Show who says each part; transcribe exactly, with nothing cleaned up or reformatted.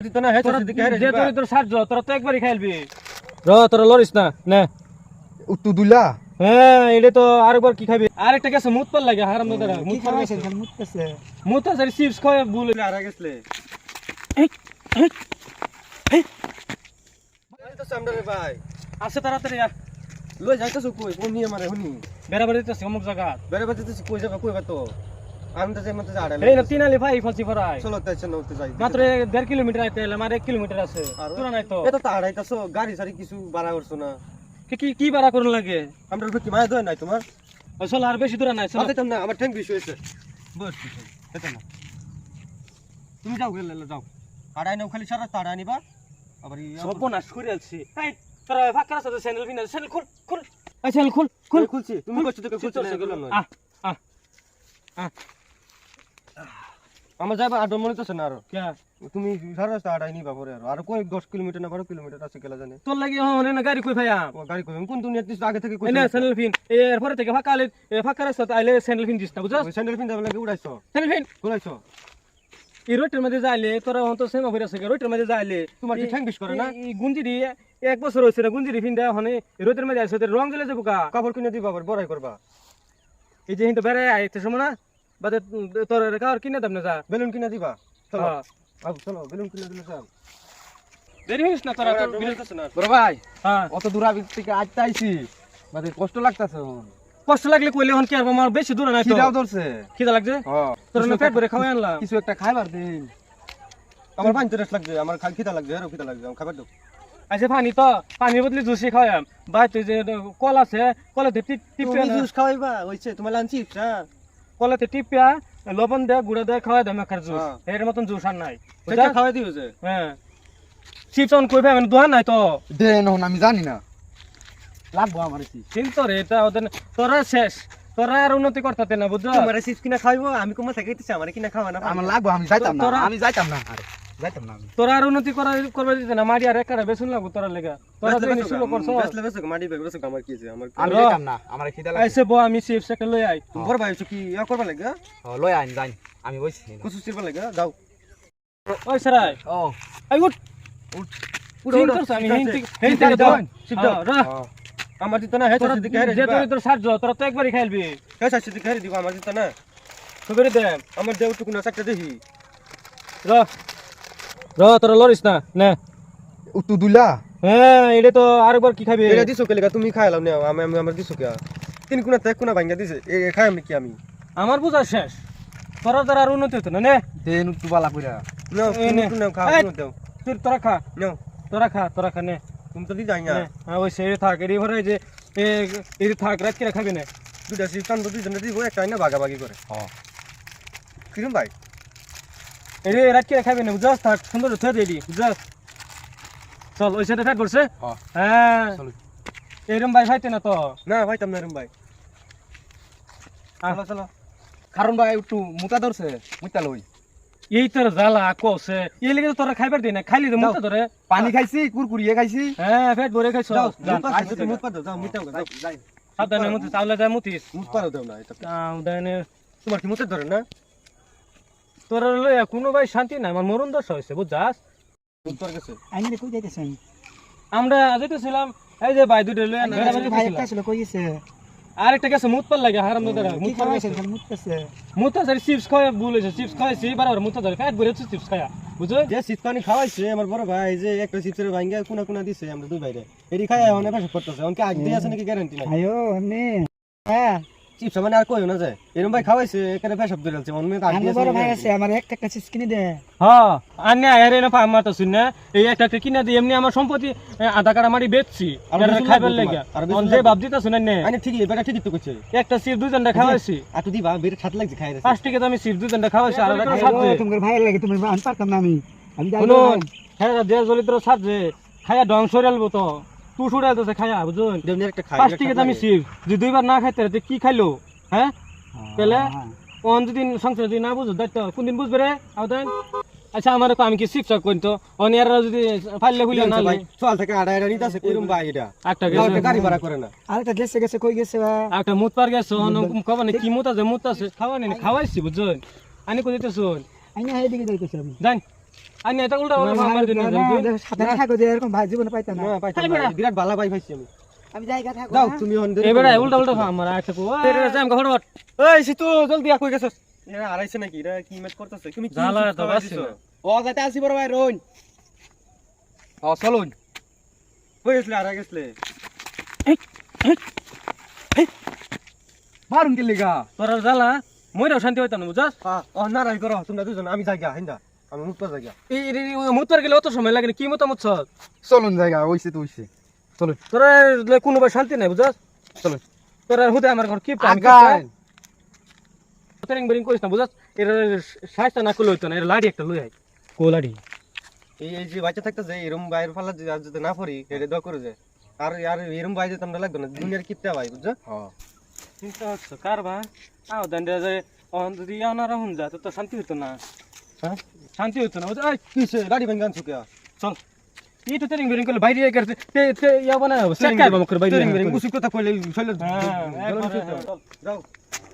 Speaker 1: দিত না হেছে দিকে হেরে
Speaker 2: যে তোর তোর সাজ তোরা তো একবারই খাইলবি র তোরা লরিস না না
Speaker 1: উত্তু দুলা
Speaker 2: হ্যাঁ এটা তো আরেকবার কি খাবি আরেকটা গেছে মুত পাল লাগে হারাম দাদা
Speaker 1: মুত খাইছে মুত খাইছে
Speaker 2: মুত আছে চিপস খায় ভুল
Speaker 1: আর গেছলে
Speaker 2: এই এই এই
Speaker 1: আরে তো সামনে রে ভাই
Speaker 2: আসে তাড়াতাড়ি আ
Speaker 1: লই যাইতাছ কই কোন নিয়ে মারে হুনি
Speaker 2: বেরাবার দিতেছে অমুক জায়গা
Speaker 1: বেরে বাজে তুই কই যাবা কই বা তো আমি তো যাই মতে আড়াই
Speaker 2: এই না তিনালি ভাই ফলসি ফরাই
Speaker 1: চলো তাইছে নতে যাই
Speaker 2: মাত্র দেড় কিলোমিটার আইতে এলাম আর এক কিলোমিটার আছে তোরা নাই তো
Speaker 1: এটা তো আড়াইতাছো গাড়ি সারি কিছু ভাড়া করছো না
Speaker 2: কি কি কি ভাড়া করুন লাগে
Speaker 1: আমরা কি মায়া দয় নাই তোমার
Speaker 2: চল আর বেশি দূর নাই চল
Speaker 1: আইতাম না আমার ঠ্যাং বেশি হইছে বস এটা না তুমি যাও গেলে যাও আড়াই নাও খালি সারা তাড়া নিবা আবার
Speaker 2: সর্বনাশ করে আছি এই তোরা ফাঁকা আছে স্যান্ডেল বিনা স্যান্ডেল খুল খুল এই স্যান্ডেল খুল খুল
Speaker 1: খুলছি তুমি কষ্ট থেকে খুলছি
Speaker 2: আ আ আ
Speaker 1: আমার যাইবা আর মনে তো না আর
Speaker 2: কে
Speaker 1: তুমি সারা রাস্তা আড়াই নিবা পরে আর আর কই দশ কিলোমিটার না বারো কিলোমিটার আছে কেলা জানে
Speaker 2: তোর লাগি হন না গাড়ি কই ভাইয়া
Speaker 1: ও গাড়ি কই কোন দুনিয়াতে আগে থেকে কই
Speaker 2: না স্যান্ডেল ফিন এরপর থেকে ফাঁকা আলে ফাঁকা রাস্তা আইলে স্যান্ডেল ফিন দিস না বুঝছ
Speaker 1: স্যান্ডেল পিন যাবে লাগে উড়াইছো
Speaker 2: স্যান্ডেল ফিন
Speaker 1: উড়াইছো
Speaker 2: এই রোটের মধ্যে যাইলে তোরা হন তো সেমা হইরা সকে রোটের মধ্যে যাইলে
Speaker 1: তোমার কি ঠ্যাং বিশ করে না
Speaker 2: এই গুঞ্জিরি এক বছর হইছে না গুঞ্জিরি ফিন দেয়া হনে রোটের মধ্যে আইছে রং জ্বলে যাবো কা
Speaker 1: কাপড় কিনে দিবা আবার বড়াই করবা
Speaker 2: এই যে হিন্ত বেড়ে আইতে সময় না বাদে তোর কার কিনে দাম না যা
Speaker 1: বেলুন কিনে দিবা চলো
Speaker 2: হ্যাঁ
Speaker 1: আব চলো বেলুন কিনে দিলে যাও
Speaker 2: দেরি হইছ না তোরা তো বিলেন
Speaker 1: না
Speaker 3: বড় ভাই
Speaker 2: হ্যাঁ
Speaker 3: অত দূর আবি থেকে আইতে আইছি মানে কষ্ট লাগতাছে
Speaker 2: কষ্ট লাগলে কইলে হন কি আর আমার বেশি দূর নাই তো
Speaker 3: খিদাও ধরছে
Speaker 2: খিদা লাগছে
Speaker 3: হ্যাঁ
Speaker 2: তোর না পেট ভরে খাওয়াই আনলাম
Speaker 3: কিছু একটা খাইবার দিন
Speaker 1: আমার পানি তেরাস লাগছে আমার খালি খিদা লাগছে আর খিদা লাগছে খাবার দাও
Speaker 2: আচ্ছা পানি তো পানির বদলে জুসি খাওয়াম ভাই তুই যে কল আছে কলাতে টিপ টিপিয়া
Speaker 1: তুমি জুস খাওয়াইবা হইছে তোমার লাঞ্চি ইচ্ছা
Speaker 2: কলাতে টিপিয়া লবণ দে গুড়া দে খাওয়াই দাম একার জুস
Speaker 1: হ্যাঁ।
Speaker 2: এর মতন জুস আর নাই
Speaker 1: সেটা খাওয়াই দিও যে
Speaker 2: হ্যাঁ চিপস অন কইবে মানে দোহান নাই তো
Speaker 3: দেন হন আমি জানি না লাগবো আমার কি
Speaker 2: চিন্তা রে এটা ওদের তোরা শেষ তোরা আর উন্নতি করতে না বুঝছো
Speaker 1: তোমার চিপস কিনা খাইবো আমি কোমা থাকাইতেছি আমার কিনা খাওয়া না
Speaker 3: আমার লাগবো আমি যাইতাম না
Speaker 2: তোরা-
Speaker 3: আমি যাইতাম না আরে যাইতাম না আমি
Speaker 2: তোরা আর উন্নতি করা করবে দিতে না মারি আর একারে বেসুন লাগবো তোরা লেগা তোরা যে শুরু করছো
Speaker 1: বেসলে বেসলে মাটি বেগ বেসলে আমার কি আছে আমার
Speaker 3: আমি
Speaker 2: র।
Speaker 3: যাইতাম না আমার খিদা লাগছে
Speaker 2: আইসে বো আমি চিপস একটা লই আই
Speaker 1: তোমার ভাই হচ্ছে কি ইয়া করবা লাগে
Speaker 3: ও লই আইন যাই আমি বইছি
Speaker 1: কুসু চিরবা লাগে যাও
Speaker 2: ওই সরাই
Speaker 3: ও
Speaker 2: আই উঠ
Speaker 1: উঠ
Speaker 2: উঠ
Speaker 1: উঠ,
Speaker 2: উঠ আমি
Speaker 1: ঠিক
Speaker 2: হেন
Speaker 1: আছে।
Speaker 2: থেকে হেন
Speaker 1: ঠিক
Speaker 2: থেকে
Speaker 1: আছে,
Speaker 2: দাও
Speaker 1: শিব দাও।
Speaker 2: রা
Speaker 1: আমার দিত না হেছে
Speaker 2: তোরা
Speaker 1: দিকে হেরে
Speaker 2: যে
Speaker 1: দিবা
Speaker 2: তোর তোর সাজ তোরা তো একবারই খাইলবি
Speaker 1: হেছে দিকে হেরে দিবা আমার দিত না
Speaker 2: সুবেরে দে
Speaker 1: আমার দেউ টুকুনা চাকটা দেখি
Speaker 2: র র তোরা লরিস না না
Speaker 3: উত্তু দুলা
Speaker 2: হ্যাঁ এটা তো আরেকবার কি খাবি
Speaker 1: এরা দিছো কেলে তুমি খাইলাম না আমি আমি আমার দিছো কে তিন কোনা তে কোনা ভাঙ্গা দিছে এ এ খাই আমি কি আমি
Speaker 2: আমার বুঝা শেষ তোরা তোরা আর উন্নতি হতো না নে
Speaker 3: দেন উত্তু বালা কইরা
Speaker 1: নাও
Speaker 2: এই নে।
Speaker 1: তুমি নাও খাও
Speaker 2: এই।
Speaker 1: তুমি দাও
Speaker 2: তুই তোরা খা
Speaker 1: নাও
Speaker 2: তোরা খা তোরা খা নে
Speaker 1: তুমি তো দি যাই না
Speaker 2: নে। হ্যাঁ ওই সেই থাক এরই ভরে যে এ এই থাক রাত কিরা খাবি না
Speaker 1: দুটা সিপ টান দুই জন দিব একটা না ভাগাভাগি করে
Speaker 3: হ্যাঁ
Speaker 1: কিরম ভাই
Speaker 2: এরে রাত কিরা খাবি না বুঝাস থাক সুন্দর থে দেদি বুঝাস চল ওই সাথে ফ্যাট করছে
Speaker 3: হ্যাঁ
Speaker 2: হ্যাঁ
Speaker 3: চলো
Speaker 2: এরম ভাই খাইতে না তো
Speaker 1: না ভাই তাম না রুম ভাই
Speaker 2: আহ।
Speaker 1: চলো চলো
Speaker 3: কারণ ভাই একটু মুতা ধরছে মুতা লই
Speaker 2: এই তোর জ্বালা কছে এই লেগে তো তোরা খাইবার দি না খাইলি তো মুতে ধরে
Speaker 3: পানি খাইছি কুরকুরিয়ে খাইছি
Speaker 2: হ্যাঁ পেট ভরে খাইছ
Speaker 1: যাও
Speaker 2: জান
Speaker 1: মুত মুত পাদো যাও মুতাও যাও
Speaker 3: যাই
Speaker 2: সাবধানে মুতে চাউলে যায় মুতিস
Speaker 1: মুত পারো দাও না এটা
Speaker 2: সাবধানে
Speaker 1: তোমার কি মুতে ধরে না
Speaker 2: তোরা লইয়া কোনো ভাই শান্তি নাই আমার মরণ দশা হয়েছে বুঝছাস
Speaker 1: মুত পার গেছে
Speaker 4: আইনে কই যাইতেছেন
Speaker 2: আমরা যেতেছিলাম এই যে ভাই দুটো লইয়া না
Speaker 4: ভাই একটা ছিল কই গেছে
Speaker 2: আরেকটা গেছে মুত পাল লাগে হারাম দাদা
Speaker 4: কি
Speaker 2: মুত পাল
Speaker 4: খাওয়াইছেন খালি মুততেছে
Speaker 2: মুতা ধরে চিপস খাওয়া ভুল হয়েছে চিপস খাওয়াইছি বারবার মুতা ধরে পেট ভরে চিপস খায়া বুঝছো
Speaker 1: যে শীত পানি খাওয়াইছে আমার বড় ভাই যে একটা চিপসের ভাঙ্গা কোনা কোনা দিছে আমরা দুই ভাইরে এডি খায় অনেক পেশা করতেছে অনকে আগ দিয়ে আছে নাকি গ্যারান্টি নাই
Speaker 4: আয়ো এমনি হ্যাঁ
Speaker 1: চিপস মানে আর কইও না যায় এরকম ভাই খাওয়াইছে এখানে পেশাব ধরে আছে অন্য আগ
Speaker 4: আমার
Speaker 1: দিয়ে
Speaker 4: বড় ভাই আছে আমার একটা একটা চিজ কিনে দে
Speaker 2: হ্যাঁ আন্যা এরে না পাম মারতা শুন না এই একটা একটা কিনা দিই এমনি আমার সম্পত্তি এ, আধা কাটা মারি বেচছি
Speaker 1: আর
Speaker 2: এরা
Speaker 1: বেশি
Speaker 2: খাইবার
Speaker 1: লাগবে
Speaker 2: লাগে
Speaker 1: তোমার, আর বেশি
Speaker 2: অন যে
Speaker 1: লাগবে।
Speaker 2: বাপ দিতা শুনেন না
Speaker 1: আরে ঠিকই বেটা ঠিকই তো কইছে
Speaker 2: একটা চিপ দুজনটা খাওয়াইছি
Speaker 1: আর তুই দিবা বেরে ছাত লাগছে খাই রে
Speaker 2: পাঁচ টাকা তো আমি চিপ দুজনটা খাওয়াইছি আর একটা সাথে
Speaker 4: তোমার ভাই লাগে তুমি আন পারতাম না আমি আমি যাই
Speaker 2: শুনুন হ্যাঁ যে জলিত্র সাথে খায়া ডং সরালবো তো তু সরালতেছে খায়া বুঝুন
Speaker 1: দেবনি একটা খাই
Speaker 2: পাঁচ টাকা তো আমি চিপ যদি দুইবার না খাইতে রে কি খাইলো হ্যাঁ পেলে কোন দিন সংসার যদি না বুঝো দায়িত্ব কোন দিন বুঝবে রে আওতান আচ্ছা আমার আমি কি শিক্ষক কইতো অনিয়ারা যদি ফাইলে খুলে না
Speaker 1: ভাই চল থেকে আড়াই আড়াই নিতে আছে এরকম ভাই এটা
Speaker 2: একটা
Speaker 1: যাও,
Speaker 2: গেছে
Speaker 1: একটা গাড়ি ভাড়া করে না
Speaker 4: আরেকটা গেছে গেছে কই গেছে বা
Speaker 2: একটা মুত পার গেছে কবা না কি মুত আছে মুত আছে খাওয়া নেই খাওয়াইছি বুঝুন আনি কই দিতে শুন
Speaker 4: আইনে হাই দিকে যাইতেছে আমি
Speaker 2: জান আইনে এটা উল্টা উল্টা আমার দিন
Speaker 4: সাথে থাকো যে এরকম ভাই জীবনে পাইতাম না
Speaker 1: না পাইতাম না, বিরাট ভালো ভাই পাইছি আমি।
Speaker 4: আমি জায়গা থাকো
Speaker 1: যাও
Speaker 4: না।
Speaker 1: তুমি হন
Speaker 2: এবারে উল্টা উল্টা আমার আয় থাকো তেরে জাম কা ফটফট
Speaker 1: এই সিতু জলদি আ কই গেছস? এরা আড়াইছে নাকি? এরা কি ম্যাচ করতেছে? তুমি কি
Speaker 2: জ্বালা
Speaker 1: চিপস
Speaker 2: তো
Speaker 1: খাওয়াই
Speaker 2: বাসছে
Speaker 1: দিছো?
Speaker 2: না।
Speaker 3: ও যাইতে আসি বড় ভাই রোন ও চলুন
Speaker 1: কই গেছলে আর গেছলে?
Speaker 3: মারুন কে লিগা
Speaker 2: তোরা জ্বালা মইরাও শান্তি হইতাম না বুঝাস
Speaker 1: হ্যাঁ ও না রাই করো তোমরা দুজন, আমি জায়গা হিন্দা আমি মুক্ত জায়গা।
Speaker 2: এই মুতবার গেলে অত সময় লাগে না, কি মতামত ছস
Speaker 3: চলুন জায়গা ওইছে তো ওইছে চলুন
Speaker 2: তোরা কোনো ভাই শান্তি নাই বুঝাস
Speaker 3: চলুন
Speaker 2: তোরা হুদে আমার ঘর কি
Speaker 3: আগান
Speaker 2: ট্রেনিং বেরিং করিস না বুঝাস এর সাইজটা না করলে হইতো না, এর লাড়ি একটা লই আই কো লাড়ি
Speaker 1: এই এই যে বাচ্চা থাকতে যে এরম বাইরে ফালা যদি আর যদি না পড়ি এটা দোয়া করে যায়। আর আর এরম বাইরে যেতাম না লাগতো না, দুনিয়ার কিপটা ভাই বুঝছো?
Speaker 3: হ্যাঁ
Speaker 2: চিন্তা হচ্ছে কার ভাই আও দান্ডে যায় অন যদি আনারা হুন যা তো শান্তি হইতো না,
Speaker 1: হ্যাঁ
Speaker 2: শান্তি হইতো না বুঝাস এই
Speaker 1: কিসে গাড়ি ভাঙান ছুকে
Speaker 2: চল এই তো ট্রেনিং বেরিং করলে বাইরে করতে তে তে ইয়া বানা সেট কাই বামকর বাইরে
Speaker 1: উসুক কথা কইলে শৈল
Speaker 2: হ্যাঁ একবার
Speaker 1: যাও